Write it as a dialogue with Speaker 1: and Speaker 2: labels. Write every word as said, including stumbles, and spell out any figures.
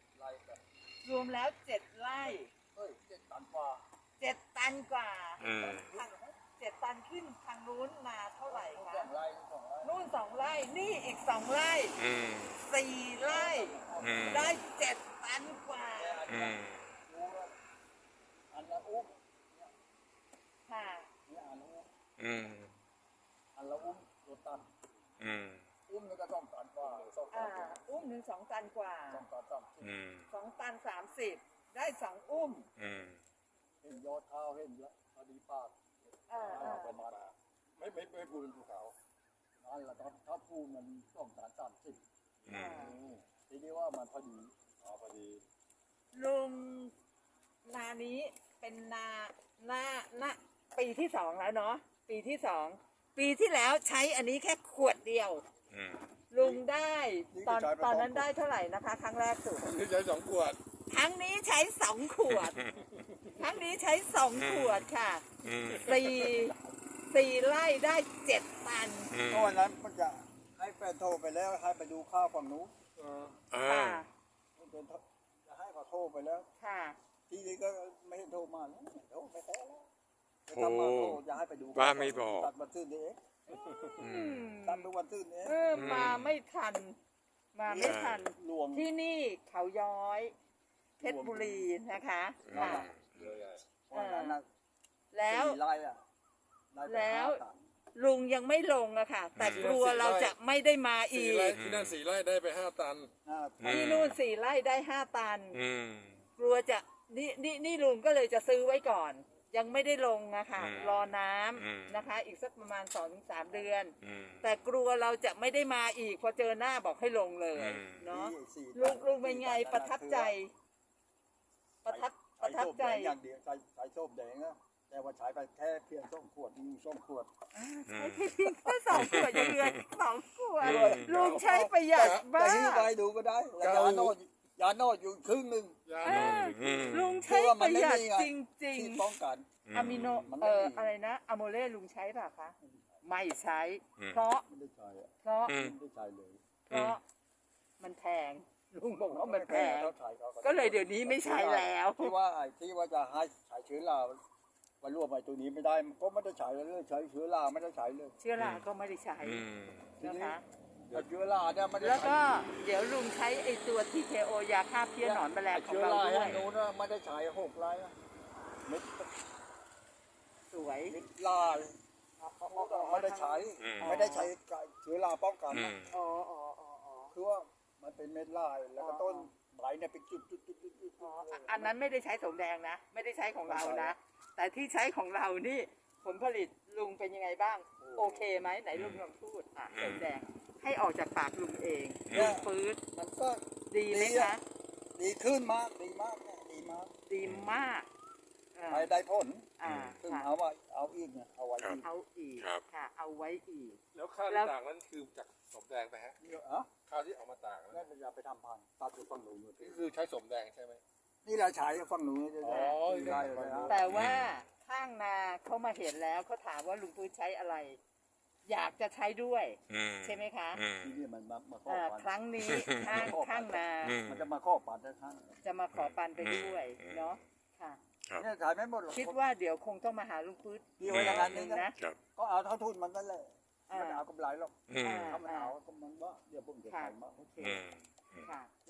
Speaker 1: ไร่กัน
Speaker 2: รวมแล้วเจ็ดไร่
Speaker 1: เฮ้ยเจ็ดตันกว่า
Speaker 2: เจ็ดตันกว่า
Speaker 3: อืม
Speaker 2: ทางเจ็ดตันขึ้นทางนู้นมาเท่าไหร่
Speaker 1: ส
Speaker 2: คะ
Speaker 1: องไร่สองไร่
Speaker 2: นู่นสองไร่นี่อีกสองไร่
Speaker 3: อืม
Speaker 2: สี่ไร่
Speaker 3: อืม
Speaker 2: ได้เจ็ดตันกว่า
Speaker 3: อืม
Speaker 1: รู้ว่าอันละอุ้ม
Speaker 2: ค่ะ
Speaker 1: เนี่ยอันละอุ้ม
Speaker 3: อืม
Speaker 1: อันละอุ้มตัวตัน
Speaker 3: อืม
Speaker 1: อุ้มนี่ก็ต้องตันกว่าสองตั
Speaker 2: อ่าน อุ้มหนึ่งสองตันกว่า
Speaker 1: สองตันสามสิบ
Speaker 3: อืม
Speaker 2: สองตันสามสิบได้สองอุ้ม
Speaker 3: อืม
Speaker 1: เห็นยอดข้าวเห็นแล้วพอดีปาก
Speaker 2: อ่าอ่า
Speaker 1: ประมาณไม่ไม่ไม่พูดเป็นภูเขานั่นแหละครับถ้าพูดมันสองตันสามสิบ
Speaker 3: อืม
Speaker 1: ทีนี้ว่ามันพอดีอ๋อพอดี
Speaker 2: ลุงนานี้เป็นนาหน้าหน้าปีที่สองแล้วเนาะปีที่สองปีที่แล้วใช้อันนี้แค่ขวดเดียว
Speaker 3: อืม
Speaker 2: ลุงได้ตอนตอนนั้นได้เท่าไหร่นะคะ ครั้งแรกสุด
Speaker 1: นี่ใช้สองขวด
Speaker 2: ครั้งนี้ใช้สองขวด ครั้งนี้ใช้สองขวดค่ะ
Speaker 3: อืม
Speaker 2: สี่สี่ไร่ได้เจ็ดตัน
Speaker 3: อืม
Speaker 1: เพราะวันนั้นมันจะให้แฟนโทรไปแล้วให้ไปดูข้าวฝั่งนู้น
Speaker 3: อ่า
Speaker 2: ค่ะ
Speaker 1: เป็นจะให้เขาโทรไปแล้ว
Speaker 2: ค่ะ
Speaker 1: ทีนี้ก็ไม่ให้โทรมาแล้วโทรไปแท้แล้วจะทำมาโทรจะให้ไปดู
Speaker 3: ว่าไม่บอก
Speaker 1: ตัดวันซื่นนี่เอง
Speaker 3: อื
Speaker 2: อื
Speaker 3: ม
Speaker 2: ม
Speaker 1: ตัดทุกวันซื่นนี่เอง
Speaker 2: เออมาไม่ทัน มาไม่ทัน
Speaker 1: รวม
Speaker 2: ที่นี่เขาย้อย เพชรบุรีนะคะค่ะ
Speaker 1: เพราะวันนั้นน่ะ
Speaker 2: แล้ว
Speaker 1: สี่ไร่อะได้ไป
Speaker 2: แล้ว
Speaker 1: ห้าตัน
Speaker 2: ลุงยังไม่ลงอะค่ะ แต่กลัวเราจะไม่ได้มาอี
Speaker 4: สี่
Speaker 2: ก
Speaker 4: ไร่ที่นั่นสี่ไร่ได้ไปห้าตัน
Speaker 1: ห้า
Speaker 2: ที่นู่นสี่ไร่ได้ห้าตัน
Speaker 3: อืม
Speaker 2: กลัวจะนี่นี่นี่ลุงก็เลยจะซื้อไว้ก่อน ยังไม่ได้ลงอะค่ะ
Speaker 3: อืม
Speaker 2: รอน้
Speaker 3: อืม
Speaker 2: ำนะคะ อีกสักประมาณสองถึงสามเดือน
Speaker 3: อืม
Speaker 2: แต่กลัวเราจะไม่ได้มาอีก พอเจอหน้าบอกให้ลงเลย
Speaker 3: อืม
Speaker 2: เนาะ
Speaker 1: สี่
Speaker 2: ลุงลุงเป็นไงประทับใจ ประทับป
Speaker 1: ใช้
Speaker 2: ระทับ
Speaker 1: โซ่
Speaker 2: ใจ
Speaker 1: แดงอย่างเดียวใช้ใช้โซ่แดงนะแต่ว่าใช้ไปแค่เพียงสองขวดมีสองขวด
Speaker 2: ใช้เพียงแค่สองขวดยังเหลืออีกสองขวด
Speaker 3: อืม
Speaker 2: ลุงใช้ประหยัด
Speaker 1: แต่
Speaker 2: บ้า
Speaker 1: หิ้วไปดูก็ได้แล้วยาโนดยาโนดอยู่ครึ่งหนึ่ง
Speaker 4: ยา
Speaker 2: เอ
Speaker 4: โน
Speaker 2: อ
Speaker 3: อืม
Speaker 2: ลุงใช้ประหยัดจริง
Speaker 1: ที่ป้องกัน
Speaker 2: ๆอะมิโน
Speaker 1: มันไม่
Speaker 2: เอ่อ
Speaker 1: มี
Speaker 2: อะไรนะอะโมเล่ลุงใช้ป่ะคะไม่ใช้
Speaker 3: อืม
Speaker 2: เพราะ
Speaker 1: ไม่ได้ใช้อะ
Speaker 2: เพราะ
Speaker 3: อืม
Speaker 1: ไม่ได้ใช้เลย
Speaker 2: เพราะมันแพงลุงบอกว่ามันแพง
Speaker 1: เท่าใช้ขา
Speaker 2: ก็เลยเดี๋ยวนี้ไม่ใช้แล้ว
Speaker 1: ที่ว่าไอ้ที่ว่าจะให้ใช้เชื้อราวันรวมไอ้ตัวนี้ไม่ได้มันก็ไม่ได้ใช้เลยใช้เชื้อราไม่ได้ใช้เลย
Speaker 2: เชื้อราก็ไม่ได้ใช้
Speaker 3: อืม
Speaker 2: นะคะ
Speaker 1: ไอ้เชื้อราเนี่ยไม่ได้
Speaker 2: แล้ว
Speaker 1: ใช้
Speaker 2: ก็เดี๋ยวลุงใช้ไอตัว ที เค โอ ยาฆ่าเพี้ยหนอนแมลงของ
Speaker 1: เชื้อ
Speaker 2: เรา
Speaker 1: รา
Speaker 2: ด้ว
Speaker 1: ให้
Speaker 2: ย
Speaker 1: นู้นนะไม่ได้ใช้หกไร่นะเม็ด
Speaker 2: สวย
Speaker 1: เม็ดลาไม่ได้ใช้
Speaker 3: อืม
Speaker 1: ไม่ได้ใช้เชื้อราป้องกัน
Speaker 3: อื
Speaker 1: นะ
Speaker 3: ม
Speaker 2: อ๋ออ๋ออ๋ออ๋อ
Speaker 1: คือว่ามันเป็นเม็ดลายแล้วก็ต้นใบเนี่ยเป็นจุดจุดจุดจุดจุด
Speaker 2: อ๋ออันนั้นไม่ได้ใช้สมแดงนะ ไม่ได้ใช้ของเรานะ แต่ที่ใช้ของเรานี่ผลผลิตลุงเป็นยังไงบ้าง โอเคไหมไหนลุงลองพูดอ่ะสมแดงให้ออกจากปากลุงเองลุงปื๊ด
Speaker 1: มันก็
Speaker 2: ดีไหมคะ
Speaker 1: ดีขึ้นมากดีมากเนี่ยดีมาก
Speaker 2: ดีมากอ่า
Speaker 1: ไปได้ผล
Speaker 2: อ่า
Speaker 1: ซึ่ง
Speaker 2: ค่ะ
Speaker 1: เอาว่าเอาอีกเนี่ยเอาไว้อีก
Speaker 2: เอาอีก
Speaker 3: ครับ
Speaker 2: ค่ะ เอาไว้อีก
Speaker 4: แล้วข้าว
Speaker 2: แล้
Speaker 4: ที่
Speaker 2: ว
Speaker 4: ตากนั้นคือจากสมแดงไปฮะ
Speaker 1: เยอะอ่ะ
Speaker 4: ข้าวที่เอามาตากนั้น
Speaker 1: นั่นจะไปทำพันธุ์ตัดอยู่ฝั่งหนูน
Speaker 4: นี่คือใช้สมแดงใช่ไหม
Speaker 1: นี่เราใช้ฝั่งหนูน
Speaker 4: อ๋อ
Speaker 1: ได้เลยนะ
Speaker 2: แต่ว่าข้างนาเขามาเห็นแล้วเขาถามว่าลุงปื๊ดใช้อะไร อยากจะใช้ด้วย
Speaker 3: อืม
Speaker 2: ใช่ไหมคะ
Speaker 3: อืม
Speaker 1: ทีนี่มันมามาข้อ
Speaker 2: อ่า
Speaker 1: ปัน
Speaker 2: ครั้งนี้ข้างข้างนา
Speaker 3: อืม
Speaker 1: มันจะมาข้อปันได้ท่าน
Speaker 2: จะมาขอปันไปด้วย
Speaker 3: อืม
Speaker 2: เนาะค่ะ
Speaker 3: ครับ
Speaker 1: เนี่ยถ่ายไม่หมดหรอก
Speaker 2: คิดว่าเดี๋ยวคงต้องมาหาลุงปื๊ด
Speaker 1: พี่ไว้อย่างนั้นนึง
Speaker 2: นะ
Speaker 1: นะครับ ก็เอาเท่าทุนมันนั่นแหละ
Speaker 2: อ่า
Speaker 1: ไม่ได้เอากำไรหรอก
Speaker 3: อืม
Speaker 1: ถ้ามันเอาก็มันว่าเดี๋ยวผมจะ
Speaker 2: ค่ะ
Speaker 1: ขายมา
Speaker 2: โอเค
Speaker 3: อืม
Speaker 2: ค่ะ